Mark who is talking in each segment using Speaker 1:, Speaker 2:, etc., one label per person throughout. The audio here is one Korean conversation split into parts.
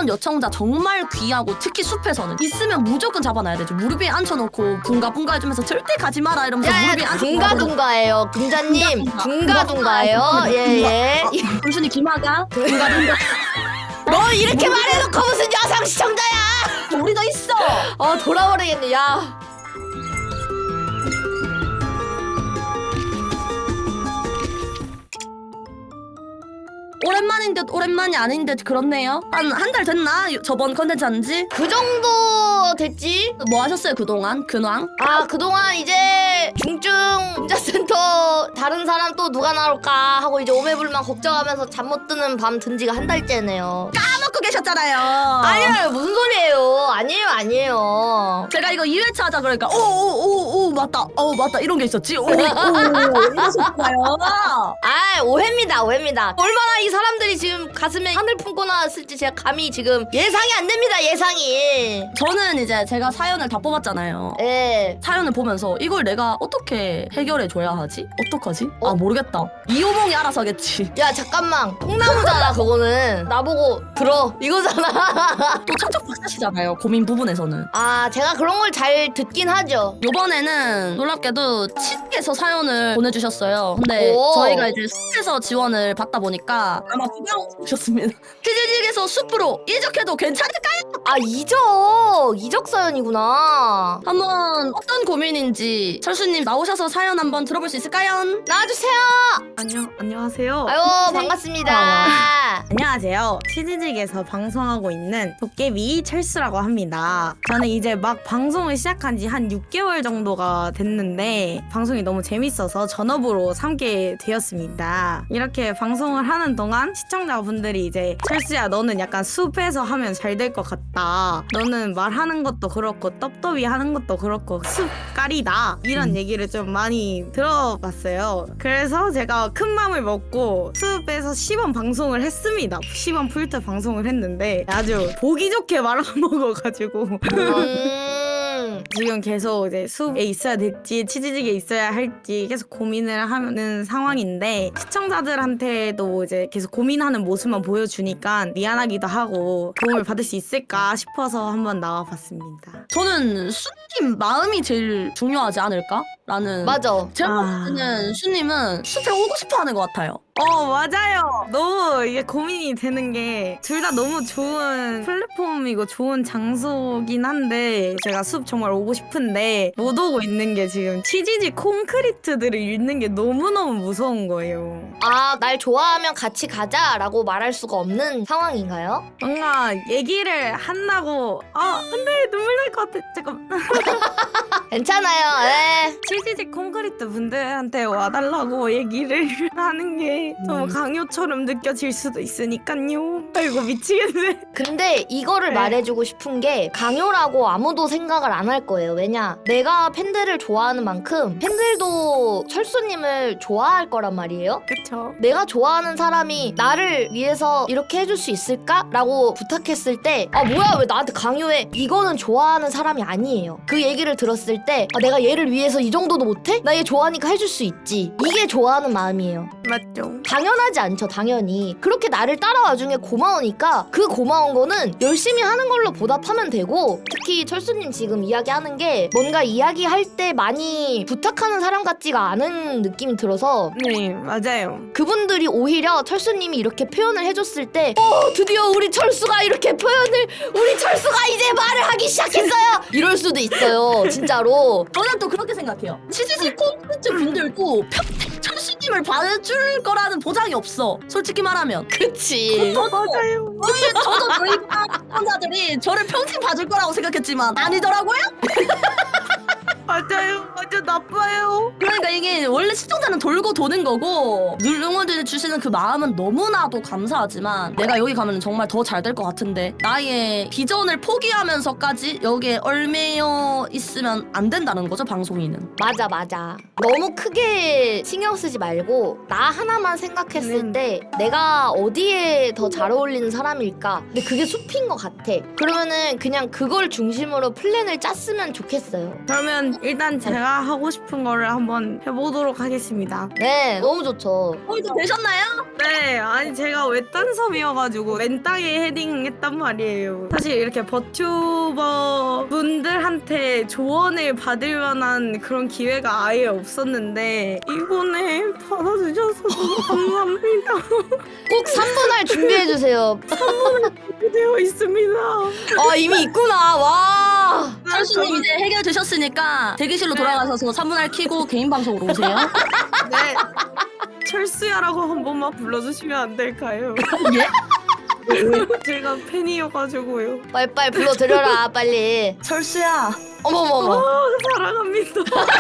Speaker 1: 이런 요청자 정말 귀하고 특히 숲에서는 있으면 무조건 잡아놔야 되죠. 무릎 위에 앉혀놓고 붕가붕가 해주면서 절대 가지 마라 이러면서 무릎 위에 앉혀놓고
Speaker 2: 둥가둥가예요 금자님. 둥가둥가예요. 예예.
Speaker 1: 순순히 김하가 붕가붕가
Speaker 2: 뭘 이렇게 말해놓고 무슨 여성 시청자야.
Speaker 1: 우리도 있어.
Speaker 2: 돌아버리겠네. 야
Speaker 1: 오랜만인 듯 오랜만이 아닌 듯 그렇네요. 한 달 됐나? 저번 컨텐츠 한지?
Speaker 2: 그 정도 됐지?
Speaker 1: 뭐 하셨어요 그동안? 근황?
Speaker 2: 그동안 이제 중증 문자센터 다른 사람 또 누가 나올까 하고 이제 오매불만 걱정하면서 잠 못 드는 밤 든 지가 한 달째네요.
Speaker 1: 까먹고 계셨잖아요.
Speaker 2: 아니에요. 무슨 소리예요. 아니에요.
Speaker 1: 제가 이거 2회차 하자 그러니까 오오오오 맞다. 맞다 이런 게 있었지. 오 이러셨잖아요.
Speaker 2: 오해입니다. 얼마나 이 사람들이 지금 가슴에 하늘 품고 나왔을지 제가 감히 지금 예상이 안 됩니다. 예상이.
Speaker 1: 저는 이제 제가 사연을 다 뽑았잖아요.
Speaker 2: 예.
Speaker 1: 사연을 보면서 이걸 내가 어떻게 해결해 줘야 하지? 어떡하지? 모르겠다. 이호몽이 알아서 하겠지.
Speaker 2: 야 잠깐만. 통나무잖아 그거는. 나보고 들어 이거잖아.
Speaker 1: 또 척척 박사시잖아요. 고민 부분에서는.
Speaker 2: 제가 그런 걸 잘 듣긴 하죠.
Speaker 1: 요번에는 놀랍게도 치즈에서 사연을 보내주셨어요. 근데
Speaker 2: 오.
Speaker 1: 저희가 이제 숲에서 지원을 받다 보니까 아마 부담 오셨습니다. 치즈직에서 숲으로 이적해도 괜찮을까요?
Speaker 2: 이적 사연이구나.
Speaker 1: 한번 어떤 고민인지 철수님 나오셔서 사연 한번 들어볼 수 있을까요?
Speaker 2: 나와주세요.
Speaker 3: 안녕하세요.
Speaker 2: 아유 반갑습니다.
Speaker 3: 안녕하세요. 치즈직에서 방송하고 있는 도깨비 철수라고 합니다. 저는 이제 막 방송을 시작한 지 한 6개월 정도가 됐는데 방송이 너무 재밌어서 전업으로 삼게 되었습니다. 이렇게 방송을 하는 동안 시청자분들이 이제 철수야 너는 약간 숲에서 하면 잘 될 것 같다. 너는 말하는 것도 그렇고 떡더비 하는 것도 그렇고 숲깔이다. 이런 얘기를 좀 많이 들어봤어요. 그래서 제가 큰 맘을 먹고 숲에서 시범 방송을 했습니다. 시범 풀트 방송을 했는데 아주 보기 좋게 말아먹어가지고 지금 계속 이제 숲에 있어야 될지 치즈직에 있어야 할지 계속 고민을 하는 상황인데 시청자들한테도 이제 계속 고민하는 모습만 보여주니까 미안하기도 하고 도움을 받을 수 있을까 싶어서 한번 나와봤습니다.
Speaker 1: 저는 수님 마음이 제일 중요하지 않을까? 라는
Speaker 2: 맞아.
Speaker 1: 제가 봤을 때는 수님은 숲에 오고 싶어 하는 것 같아요.
Speaker 3: 맞아요. 너무 이게 고민이 되는 게 둘 다 너무 좋은 플랫폼이고 좋은 장소긴 한데 제가 숲 정말 오고 싶은데 못 오고 있는 게 지금 치즈직 콘크리트들을 읽는 게 너무너무 무서운 거예요.
Speaker 2: 날 좋아하면 같이 가자라고 말할 수가 없는 상황인가요?
Speaker 3: 뭔가 얘기를 한다고 근데 눈물 날 것 같아. 잠깐.
Speaker 2: 괜찮아요. 예.
Speaker 3: 치즈직 콘크리트 분들한테 와달라고 얘기를 하는 게 너무 강요처럼 느껴질 수도 있으니까요. 아이고 미치겠네.
Speaker 2: 근데 이거를
Speaker 3: 네.
Speaker 2: 말해주고 싶은 게 강요라고 아무도 생각을 안 할 거예요. 왜냐? 내가 팬들을 좋아하는 만큼 팬들도 철수님을 좋아할 거란 말이에요.
Speaker 3: 그쵸.
Speaker 2: 내가 좋아하는 사람이 나를 위해서 이렇게 해줄 수 있을까? 라고 부탁했을 때 뭐야 왜 나한테 강요해? 이거는 좋아하는 사람이 아니에요. 그 얘기를 들었을 때 내가 얘를 위해서 이 정도도 못해? 나 얘 좋아하니까 해줄 수 있지. 이게 좋아하는 마음이에요.
Speaker 3: 맞죠.
Speaker 2: 당연하지 않죠. 당연히 그렇게 나를 따라와 중에 고마우니까 그 고마운 거는 열심히 하는 걸로 보답하면 되고, 특히 철수님 지금 이야기하는 게 뭔가 이야기할 때 많이 부탁하는 사람 같지가 않은 느낌이 들어서
Speaker 3: 네 맞아요.
Speaker 2: 그분들이 오히려 철수님이 이렇게 표현을 해줬을 때 드디어 우리 철수가 이렇게 우리 철수가 이제 말을 하기 시작했어요 이럴 수도 있어요. 진짜로.
Speaker 1: 저는 또 그렇게 생각해요. 치즈직 콘텐츠 분들도 평생 철수님을 봐줄 거라는 보장이 없어. 솔직히 말하면.
Speaker 2: 그치.
Speaker 3: 맞아요.
Speaker 1: 저도 저희 시청자들이 저를 평생 봐줄 거라고 생각했지만 아니더라고요.
Speaker 3: 맞아요. 완전 나빠요.
Speaker 1: 그러니까 이게 원래 시청자는 돌고 도는 거고 늘 응원해 주시는 그 마음은 너무나도 감사하지만 내가 여기 가면 정말 더 잘 될 것 같은데 나의 비전을 포기하면서까지 여기에 얽매여 있으면 안 된다는 거죠, 방송인은.
Speaker 2: 맞아. 너무 크게 신경 쓰지 말고 나 하나만 생각했을 때 내가 어디에 더 잘 어울리는 사람일까? 근데 그게 숲인 것 같아. 그러면은 그냥 그걸 중심으로 플랜을 짰으면 좋겠어요.
Speaker 3: 그러면 일단 제가 하고 싶은 거를 한번 해보도록 하겠습니다.
Speaker 2: 네, 너무 좋죠.
Speaker 1: 좀 되셨나요?
Speaker 3: 네, 아니 제가 외딴섬이어가지고 맨땅에 헤딩했단 말이에요. 사실 이렇게 버튜버 분들한테 조언을 받을 만한 그런 기회가 아예 없었는데 이번에 받아주셔서 너무 감사합니다.
Speaker 2: 꼭 3분할 준비해주세요.
Speaker 3: 되어 있습니다.
Speaker 2: 아, 이미 있구나. 와.
Speaker 1: 철수님 이제 해결되셨으니까 대기실로 돌아가셔서 3분할 키고 개인 방송으로 오세요.
Speaker 3: 네. 철수야라고 한 번만 불러주시면 안 될까요?
Speaker 1: 예?
Speaker 3: 제가 팬이어가지고요.
Speaker 2: 빨리 불러드려라, 빨리.
Speaker 1: 철수야.
Speaker 2: 어머머머.
Speaker 3: 사랑합니다.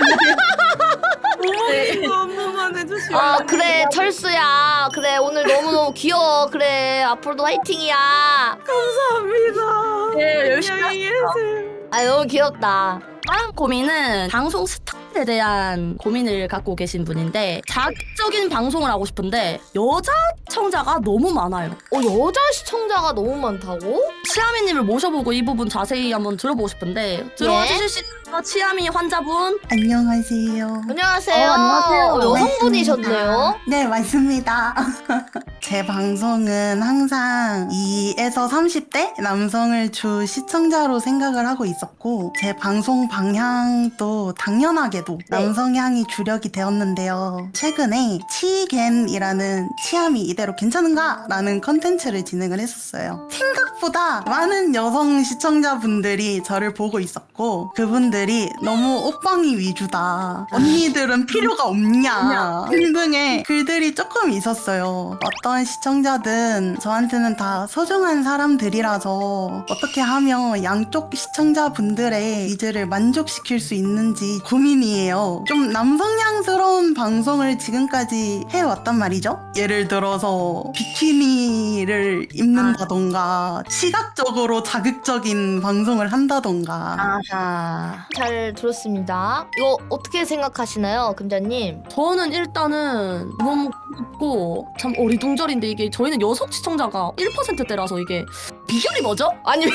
Speaker 1: 네.
Speaker 3: 이거 한 번만 해주시면
Speaker 2: 아,
Speaker 3: 안
Speaker 2: 그래,
Speaker 3: 될까요?
Speaker 2: 철수야. 그래, 오늘 너무너무 귀여워. 그래, 앞으로도 화이팅이야.
Speaker 3: 감사합니다.
Speaker 1: 네, 열심히
Speaker 3: 안녕히 계세요.
Speaker 2: 아, 너무 귀엽다.
Speaker 1: 다음 고민은 방송 스타일에 대한 고민을 갖고 계신 분인데 자극적인 방송을 하고 싶은데 여자 시청자가 너무 많아요.
Speaker 2: 여자 시청자가 너무 많다고?
Speaker 1: 치아미님을 모셔보고 이 부분 자세히 한번 들어보고 싶은데 들어와 주실 수 있나요? 치아미 환자분?
Speaker 4: 안녕하세요.
Speaker 2: 안녕하세요.
Speaker 1: 안녕하세요.
Speaker 2: 여성분이셨네요.
Speaker 4: 네, 맞습니다. 제 방송은 항상 2에서 30대 남성을 주 시청자로 생각을 하고 있었고, 제 방송 방향도 당연하게도 남성향이 주력이 되었는데요. 최근에 치겐이라는 치아미 이대로 괜찮은가? 라는 컨텐츠를 진행을 했었어요. 생각보다 많은 여성 시청자분들이 저를 보고 있었고, 그분들이 너무 옷방이 위주다. 언니들은 필요가 없냐. 등등의 글들이 조금 있었어요. 어떤 시청자든 저한테는 다 소중한 사람들이라서 어떻게 하면 양쪽 시청자분들의 니즈를 만족시킬 수 있는지 고민이에요. 좀 남성향스러운 방송을 지금까지 해왔단 말이죠. 예를 들어서 비키니를 입는다던가 시각적으로 자극적인 방송을 한다던가.
Speaker 1: 아하.
Speaker 2: 잘 들었습니다. 이거 어떻게 생각하시나요, 금자님?
Speaker 1: 저는 일단은 너무 무섭고 참 어리둥절인데 이게 저희는 여성 시청자가 1%대라서 이게 비결이 뭐죠?
Speaker 2: 아니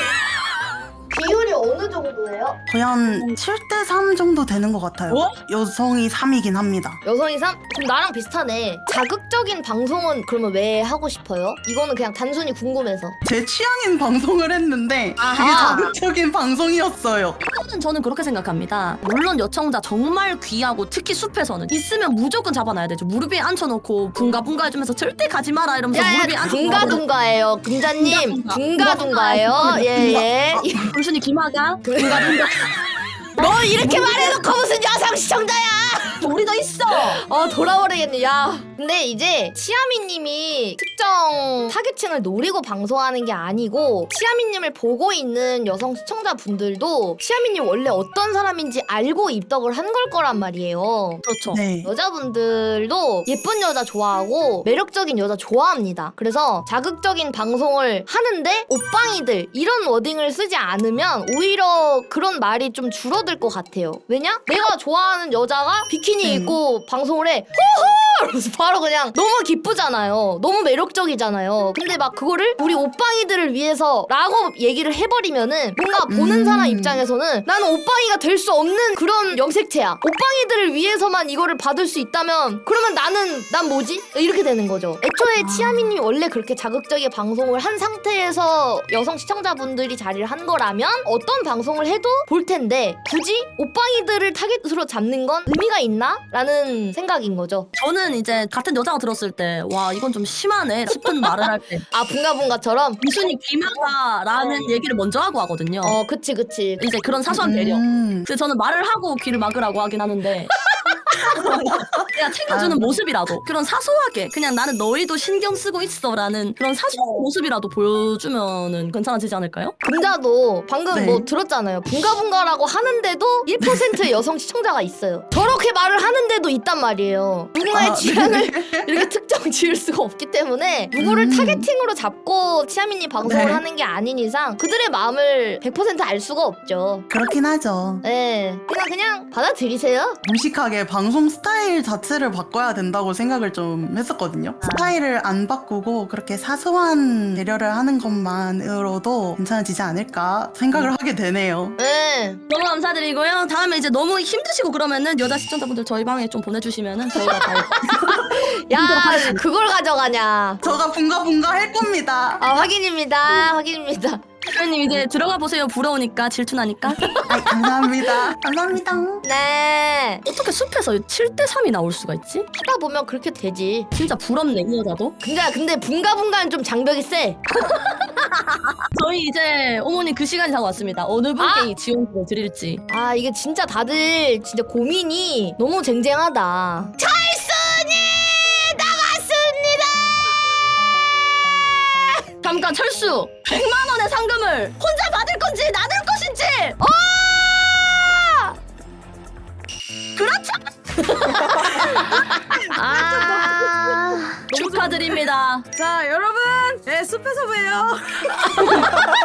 Speaker 2: 비율이 어느 정도예요?
Speaker 4: 거의 한 7대 3 정도 되는 것 같아요.
Speaker 1: 어?
Speaker 4: 여성이 3이긴 합니다.
Speaker 2: 여성이 3? 그럼 나랑 비슷하네. 자극적인 방송은 그러면 왜 하고 싶어요? 이거는 그냥 단순히 궁금해서.
Speaker 4: 제 취향인 방송을 했는데
Speaker 1: 아하.
Speaker 4: 되게 자극적인 방송이었어요.
Speaker 1: 저는 그렇게 생각합니다. 물론 여청자 정말 귀하고 특히 숲에서는 있으면 무조건 잡아놔야 되죠. 무릎 위에 앉혀놓고 붕가붕가 해주면서 절대 가지 마라 이러면서 무릎 위에
Speaker 2: 야야,
Speaker 1: 앉혀놓고
Speaker 2: 둥가둥가예요. 금자님, 둥가둥가예요. 예예.
Speaker 1: 단순히 기마가
Speaker 2: 너 이렇게 말해놓고 무슨 여성 시청자야?
Speaker 1: 우리 더 있어.
Speaker 2: 돌아버리겠네. 야. 근데 이제 치아미님이 특정 타겟층을 노리고 방송하는 게 아니고 치아미님을 보고 있는 여성 시청자분들도 치아미님 원래 어떤 사람인지 알고 입덕을 한 걸 거란 말이에요.
Speaker 1: 그렇죠.
Speaker 4: 네.
Speaker 2: 여자분들도 예쁜 여자 좋아하고 매력적인 여자 좋아합니다. 그래서 자극적인 방송을 하는데 옷방이들 이런 워딩을 쓰지 않으면 오히려 그런 말이 좀 줄어들 것 같아요. 왜냐? 내가 좋아하는 여자가 비키니 입고 방송을 해. 호호! 이러면서 바로 그냥 너무 기쁘잖아요. 너무 매력적이잖아요. 근데 막 그거를 우리 옷방이들을 위해서 라고 얘기를 해버리면은 뭔가 보는 사람 입장에서는 나는 옷방이가 될 수 없는 그런 염색체야. 옷방이들을 위해서만 이거를 받을 수 있다면 그러면 난 뭐지? 이렇게 되는 거죠. 애초에 치아미님이 원래 그렇게 자극적인 방송을 한 상태에서 여성 시청자분들이 자리를 한 거라면 어떤 방송을 해도 볼 텐데 굳이 옷방이들을 타겟으로 잡는 건 의미가 있나? 라는 생각인 거죠.
Speaker 1: 저는 이제 같은 여자가 들었을 때 와 이건 좀 심하네 싶은 말을 할 때
Speaker 2: 아, 붕가붕가처럼?
Speaker 1: 단순히 기마가라는 얘기를 먼저 하고 하거든요.
Speaker 2: 그치.
Speaker 1: 이제 그런 사소한 배려. 근데 저는 말을 하고 귀를 막으라고 하긴 하는데 그냥 챙겨주는 모습이라도 그런 사소하게 그냥 나는 너희도 신경 쓰고 있어라는 그런 사소한 모습이라도 보여주면은 괜찮아지지 않을까요?
Speaker 2: 금자도 방금
Speaker 4: 네.
Speaker 2: 뭐 들었잖아요. 붕가붕가라고 하는데도 1%의 여성 시청자가 있어요. 저렇게 말을 하는데도 있단 말이에요. 누군가의 취향을 이렇게 특정 지을 수가 없기 때문에 누구를 타겟팅으로 잡고 치아미님 방송을
Speaker 4: 네.
Speaker 2: 하는 게 아닌 이상 그들의 마음을 100% 알 수가 없죠.
Speaker 4: 그렇긴 하죠.
Speaker 2: 네, 그냥 받아들이세요.
Speaker 4: 무식하게 방송 방송 스타일 자체를 바꿔야 된다고 생각을 좀 했었거든요. 스타일을 안 바꾸고 그렇게 사소한 배려를 하는 것만으로도 괜찮아지지 않을까 생각을 하게 되네요.
Speaker 2: 네.
Speaker 1: 너무 감사드리고요. 다음에 이제 너무 힘드시고 그러면은 여자 시청자분들 저희 방에 좀 보내주시면은 저희가 다
Speaker 2: 야, 그걸 가져가냐.
Speaker 4: 저가 분가분가 할 겁니다.
Speaker 2: 아, 확인입니다. 확인입니다.
Speaker 1: 대표님 이제 들어가 보세요. 부러우니까 질투나니까.
Speaker 4: 아이, 감사합니다. 감사합니다.
Speaker 2: 네.
Speaker 1: 어떻게 숲에서 7대3이 나올 수가 있지?
Speaker 2: 하다 보면 그렇게 되지.
Speaker 1: 진짜 부럽네 이 여자도.
Speaker 2: 근데 분가분가는 좀 장벽이 세.
Speaker 1: 저희 이제 어머니 그 시간이 다 왔습니다. 어느 분께 이 지원금을 드릴지.
Speaker 2: 아, 이게 진짜 다들 진짜 고민이 너무 쟁쟁하다. 철순이 나갔습니다.
Speaker 1: 잠깐 철수 100만 원의 상금을 혼자 받을 건지 나눌 것인지. 그렇죠.
Speaker 2: 아.
Speaker 1: 축하드립니다.
Speaker 3: 자 여러분 네, 숲에서 봬요.